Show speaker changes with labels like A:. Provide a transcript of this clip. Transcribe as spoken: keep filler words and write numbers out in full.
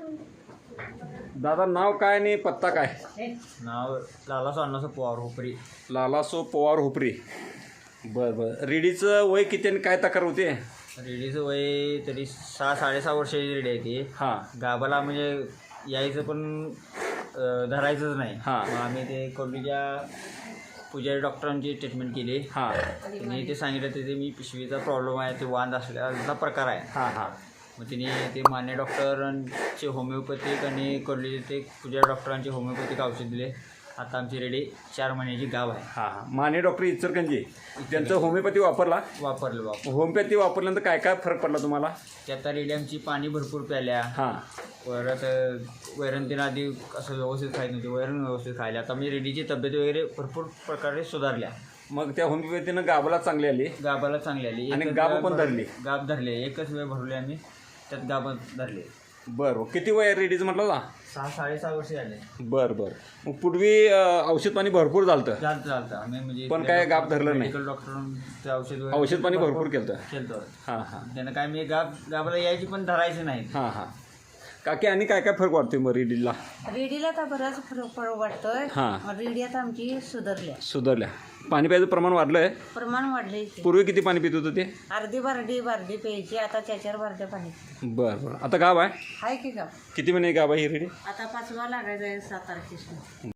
A: दादा नाव काय आणि पत्ता काय?
B: नाव लालासो अण्णासो पवार हुपरी.
A: लालासो पवार हुपरी. बरं बरं. रेडीचं वय किती आणि काय तक्रार होते?
B: रेडीचं वय तरी सहा साडेसहा वर्षाची रेडी आहे ती.
A: हां
B: गाभाला म्हणजे यायचं पण अं, धरायचंच नाही.
A: हां.
B: मग आम्ही ते कोर्लीच्या पुजारी डॉक्टरांची ट्रीटमेंट केली.
A: हां
B: त्यांनी ते सांगितलं ते मी पिशवीचा प्रॉब्लेम आहे, ते वांद असल्याचा प्रकार आहे.
A: हां हां
B: मग तिने ते मान्य डॉक्टरांचे होमिओपॅथिक आणि कोर्लीचे ते पुजारी डॉक्टरांचे होमिओपॅथिक औषध दिले. आता आमची रेडी चार महिन्याची गाव आहे.
A: हां हां. माने डॉक्टर इचलकरंजी त्यांचं होमिओपॅथी वापरला.
B: वापरलं वापर
A: होमिओपॅथी वापरल्यानंतर काय काय फरक पडला तुम्हाला?
B: त्यात रेडी आमची पाणी भरपूर प्याल्या.
A: हां
B: परत वैरण तीन आधी असं व्यवस्थित खायला नव्हते, वैरण व्यवस्थित खायला. आता मी रेडीची तब्येत वगैरे भरपूर प्रकारे सुधारल्या.
A: मग त्या होमिओपॅथीनं गावाला चांगली आली
B: गाभाला चांगली आली
A: आणि
B: एकच
A: गाभ
B: वेळ
A: पण
B: भर-
A: धरली.
B: गाभ धरले एकच वेळ भरले आम्ही, त्यात गाभ धरले.
A: बरं. किती वय आहे रेडीचं म्हटलं ना?
B: सहा साडेसहा वर्ष झाले.
A: बरं बरं. मग पूर्वी अं, औषध पाणी भरपूर झालं
B: चालतं चालतं आम्ही म्हणजे
A: पण काय गाभ धरलं नाही?
B: मेडिकल डॉक्टरांचं औषध वगैरे
A: औषध पाणी भरपूर केलं.
B: केलं.
A: हां हां
B: त्यानं काय मी गाभ गाभाला यायची पण धरायची नाही.
A: हां हां. काकी आणि काय काय फरक वाटतोय मग रेडीला?
C: रेडीला आता बराच फरक फरक वाटतोय.
A: हां.
C: रेडी आता आमची सुधारल्या,
A: सुधारल्या. पाणी प्यायचं प्रमाण वाढलंय.
C: प्रमाण वाढले.
A: पूर्वी किती पाणी पित होतं ते?
C: अर्धी बारडी बारडी प्यायची, आता त्याच्यावर बारड्या पाणी.
A: बरं बरं. आता गाव आहे
C: हाय की का?
A: किती महिने गाव आहे ही रेडी?
C: आता पाचवा लागायचा आहे सात तारखेला.